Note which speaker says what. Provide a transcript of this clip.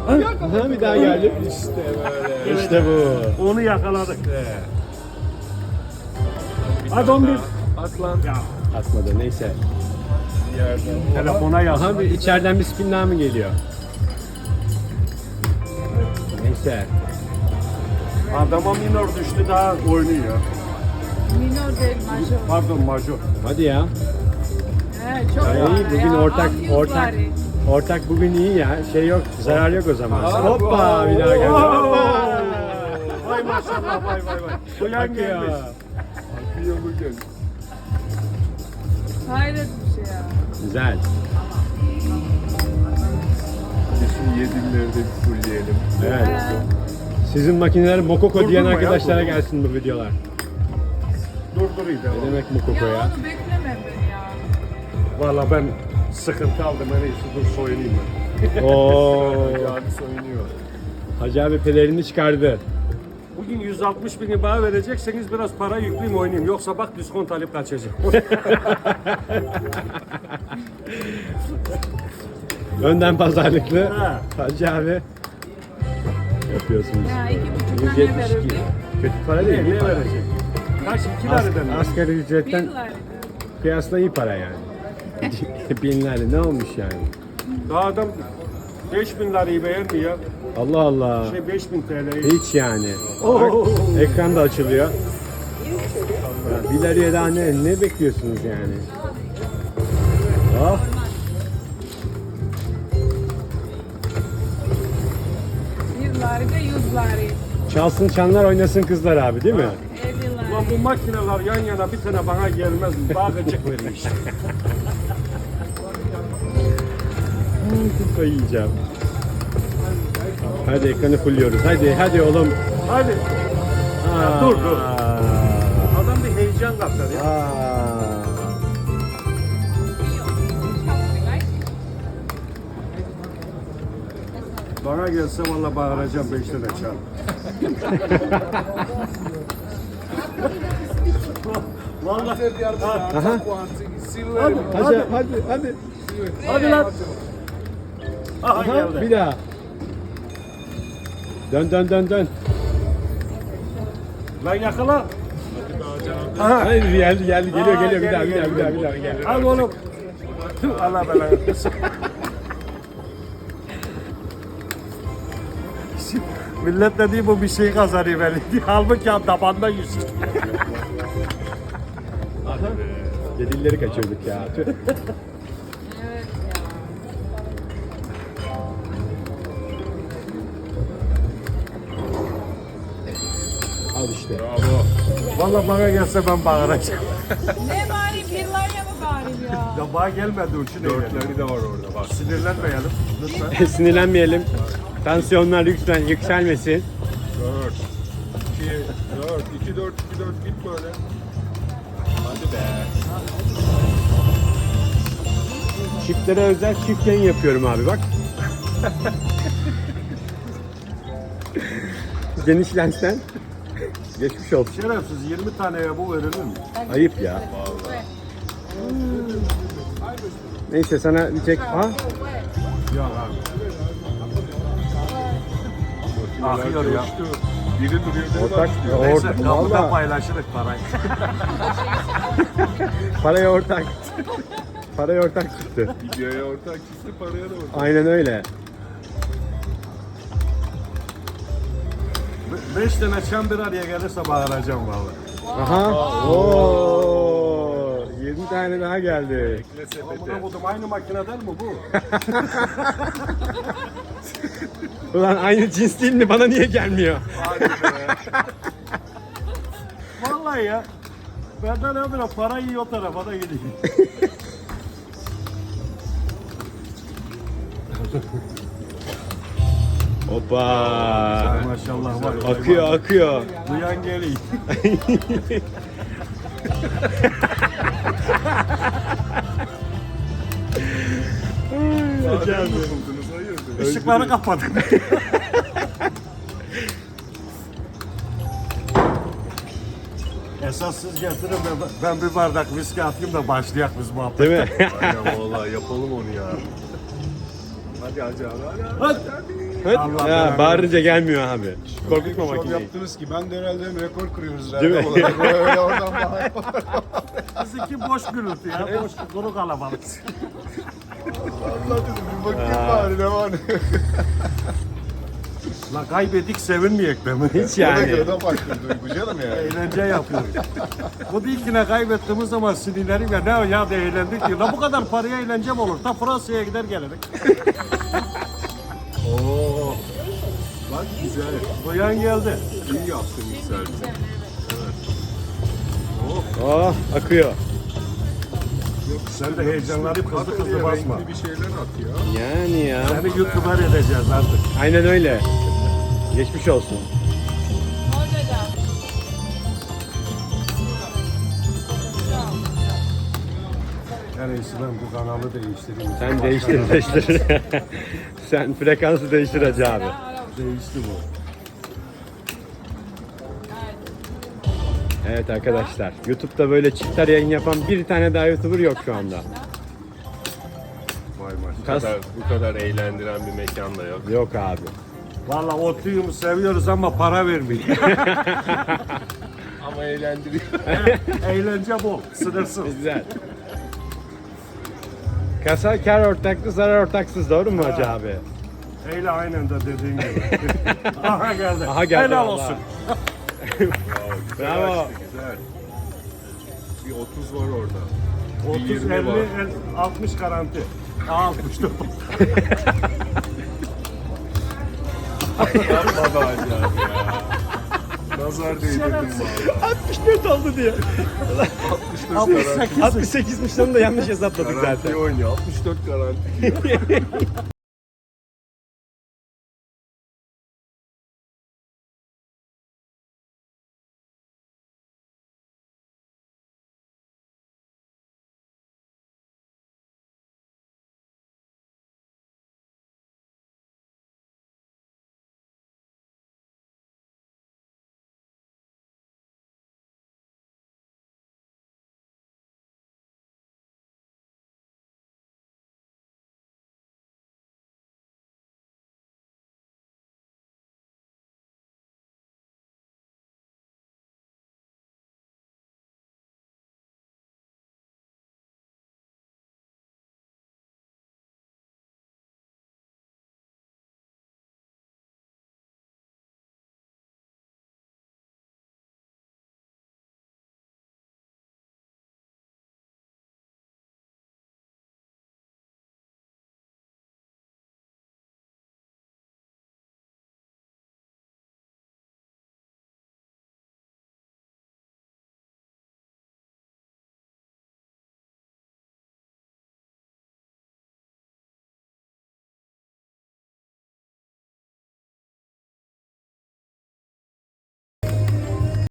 Speaker 1: Ha, bir daha geldi.
Speaker 2: İşte böyle.
Speaker 1: İşte bu.
Speaker 3: Onu yakaladık. Hadi 11.
Speaker 2: At lan.
Speaker 3: Ya
Speaker 1: Atmadı neyse.
Speaker 2: Bir yerden.
Speaker 3: telefona yaz.
Speaker 1: Aha bir içeriden bir spin daha mı geliyor? Neyse.
Speaker 3: Adama minor düştü daha oynuyor.
Speaker 4: Minor değil, major.
Speaker 3: Pardon major.
Speaker 1: Hadi ya.
Speaker 4: Evet, çok
Speaker 1: İyi
Speaker 4: var
Speaker 1: bugün
Speaker 4: ya,
Speaker 1: ortak
Speaker 4: 600
Speaker 1: ortak
Speaker 4: var.
Speaker 1: ortak bugün iyi ya. Şey yok, zarar yok o zaman.
Speaker 2: Aa,
Speaker 1: Hoppa bir daha geldi. Hoppa.
Speaker 3: Vay maşallah vay vay vay. Uyan
Speaker 1: Bak ya.
Speaker 3: gelmiş.
Speaker 2: Akıyor bugün.
Speaker 4: Hayret bir şey ya.
Speaker 1: Güzel.
Speaker 2: Şu yedimleri de bir fullleyelim.
Speaker 1: Evet.
Speaker 4: Ee,
Speaker 1: Sizin makineler Mokoko diyen
Speaker 3: Durdurma ya,
Speaker 1: arkadaşlara
Speaker 3: durdurma.
Speaker 1: gelsin bu videolar.
Speaker 3: Durdurayım
Speaker 1: Ne
Speaker 3: devam.
Speaker 1: demek Mokoko
Speaker 4: ya
Speaker 1: ya?
Speaker 4: onu bekleme beni ya.
Speaker 3: Valla ben sıkıntı aldım. En iyisi dur soyunayım ben.
Speaker 1: Oo.
Speaker 2: Yani soyunuyor.
Speaker 1: Hacı abi pelerini çıkardı.
Speaker 3: Bugün 160 bin bana verecekseniz biraz para yükleyeyim oynayayım. Yoksa bak diskont alıp kaçacağım.
Speaker 1: Önden pazarlıklı.
Speaker 3: Ha.
Speaker 1: Hacı abi. Yapıyorsunuz.
Speaker 4: Ya 2,5'dan ne
Speaker 1: 172.
Speaker 4: verirdi?
Speaker 1: Kötü para değil.
Speaker 3: Ne
Speaker 1: iyi para.
Speaker 3: verecek? Kaç? 2 lira dedim.
Speaker 1: Asgari ücretten
Speaker 4: 1 lira.
Speaker 1: kıyasla iyi para yani. Binlerle ne olmuş yani?
Speaker 3: Daha adam 5 bin lirayı beğenmiyor.
Speaker 1: Allah Allah.
Speaker 3: 5 bin TL'yi.
Speaker 1: Hiç yani.
Speaker 3: Oo.
Speaker 1: Bak, ekran da açılıyor. Ya, bir liraya daha ne bekliyorsunuz yani? Oh.
Speaker 4: 1 lira da 100 lira.
Speaker 1: Çalsın çanlar oynasın kızlar abi değil mi?
Speaker 4: 50 lira.
Speaker 3: Ulan bu makineler yan yana bir tane bana gelmez mi? Daha gıcık veriyor işte.
Speaker 1: Kafayı yiyeceğim. Hadi ekranı fulluyoruz. Hadi oğlum.
Speaker 3: Hadi.
Speaker 1: Aa.
Speaker 3: dur. Adam bir heyecan kaptar ya.
Speaker 1: Aa.
Speaker 3: Bana gelse valla bağıracağım 5 tane çal. Vallahi.
Speaker 1: Aha. Hadi.
Speaker 3: Hadi lan. Aha
Speaker 1: Aha,
Speaker 3: geldi.
Speaker 1: bir daha. Dön.
Speaker 3: Lan yakala.
Speaker 1: Aha. Hayır geldi geliyor
Speaker 3: Aa,
Speaker 1: bir daha
Speaker 3: geliyor.
Speaker 1: geliyor.
Speaker 3: Al oğlum. Allah belanı. Millet de değil bu bir şey kazanıyor belli. Halbuki ya tabanda 100.
Speaker 1: Dedilleri kaçırdık ya. Tüh.
Speaker 4: Evet ya.
Speaker 1: Al işte.
Speaker 2: Bravo.
Speaker 3: Valla bana gelse ben bağıracağım.
Speaker 4: Ne bari 1 liraya mı bari ya?
Speaker 3: Ya bana gelmedi uçun
Speaker 2: Dörtleri de var orada bak.
Speaker 3: Sinirlenmeyelim lütfen.
Speaker 1: Sinirlenmeyelim. Tansiyonlar lütfen yükselmesin.
Speaker 2: 4 2 4 2 4 2 4 git böyle. Hadi be.
Speaker 1: Çiftlere özel çift yayın yapıyorum abi bak. Geniş lensten. Geçmiş olsun.
Speaker 3: Şerefsiz 20 taneye bu verilir mi?
Speaker 1: Ayıp ya. Neyse sana bir tek... Ha?
Speaker 3: Yok abi. Akıyor ya.
Speaker 2: Coştu. Biri duruyor. biri
Speaker 1: Ortak,
Speaker 2: başlıyor.
Speaker 3: Neyse
Speaker 1: ortak,
Speaker 3: kapıda
Speaker 1: valla
Speaker 3: paylaşırız parayı.
Speaker 1: paraya ortak. Paraya ortak çıktı.
Speaker 2: Videoya ortak çıktı, paraya da ortak.
Speaker 1: Aynen öyle.
Speaker 3: 5 tane çam bir araya gelirse bağıracağım vallahi.
Speaker 1: Aha. Oo. 20 tane daha geldi.
Speaker 2: Ekle sepete.
Speaker 3: Buna buldum aynı makineden mi bu?
Speaker 1: Ulan aynı cins değil mi? Bana niye gelmiyor?
Speaker 2: Hadi be.
Speaker 3: Vallahi ya. Benden ne bileyim para iyi o tarafa da gidiyor.
Speaker 1: Hoppa.
Speaker 3: Maşallah var.
Speaker 1: Akıyor.
Speaker 3: Duyan geliyor.
Speaker 2: Madem mi buldunuz? Hayırdır?
Speaker 3: Işıkları kapadım. Esas siz getirin de ben bir bardak viski atayım da başlayak biz muhabbet.
Speaker 1: Değil mi?
Speaker 2: Aynen valla yapalım onu ya. geleceğim.
Speaker 3: Hadi.
Speaker 1: Evet.
Speaker 3: Allah
Speaker 1: Ya,
Speaker 3: belanı
Speaker 1: bağırınca gelmiyor abi. Korkutma
Speaker 2: Şov
Speaker 1: makineyi.
Speaker 2: yaptınız ki ben de herhalde hem rekor kırıyoruz.
Speaker 1: Değil mi?
Speaker 2: Olarak. Öyle oradan bağır.
Speaker 3: Bizimki boş gürültü ya. Boş kuru kalabalık.
Speaker 2: Allah dedim bir bakayım bari ne var ne.
Speaker 3: La kaybettik sevinmeyek be mi?
Speaker 1: Hiç
Speaker 2: Ona
Speaker 1: yani.
Speaker 2: göre de farklı duygu canım yani.
Speaker 3: Eğlence yapıyoruz. Bu ilkine kaybettiğimiz zaman sinirlerim ya ne ya da eğlendik diyor. La bu kadar paraya eğlence mi olur? Ta Fransa'ya gider gelirik.
Speaker 2: Oo. Bak güzel.
Speaker 3: Duyan geldi.
Speaker 2: İyi yaptın güzel.
Speaker 1: Oh akıyor.
Speaker 3: Sen de heyecanlanıp hızlı hızlı
Speaker 2: Hadi
Speaker 3: basma.
Speaker 2: renkli bir şeyler at ya.
Speaker 1: Yani ya.
Speaker 3: Seni YouTuber edeceğiz artık.
Speaker 1: Aynen öyle. Geçmiş olsun.
Speaker 4: Hocam.
Speaker 3: En iyisi ben bu kanalı değiştireyim.
Speaker 1: Sen değiştir. Sen frekansı değiştir hacı abi.
Speaker 3: Değişti bu.
Speaker 1: Evet arkadaşlar. YouTube'da böyle çiftler yayın yapan bir tane daha YouTuber yok şu anda.
Speaker 2: Vay maş.
Speaker 1: Kas-
Speaker 2: Bu kadar eğlendiren bir mekan da yok.
Speaker 1: Yok abi.
Speaker 3: Valla otluyumu seviyoruz ama para vermiyor.
Speaker 2: Ama eğlendiriyor.
Speaker 3: Eğlence bol, sınırsız.
Speaker 1: Güzel. Kasa kar ortaklı, zarar ortaksız. Doğru mu hacı abi?
Speaker 3: Eyle aynen de dediğin gibi. Aha geldi.
Speaker 1: Aha geldi
Speaker 3: Helal
Speaker 1: vallahi.
Speaker 3: olsun.
Speaker 1: Bravo.
Speaker 2: Güzel. Bir 30 var orada.
Speaker 3: 30,
Speaker 2: 20
Speaker 3: 50,
Speaker 2: var.
Speaker 3: 60 garanti. 64.
Speaker 2: Yapma be hacı abi ya. Nazar değdirdim valla.
Speaker 1: 64 oldu diye.
Speaker 2: 64 garanti.
Speaker 3: 68.
Speaker 1: 68'miş onu da yanlış hesapladık
Speaker 2: Garanti
Speaker 1: zaten.
Speaker 2: oynuyor. 64 garanti.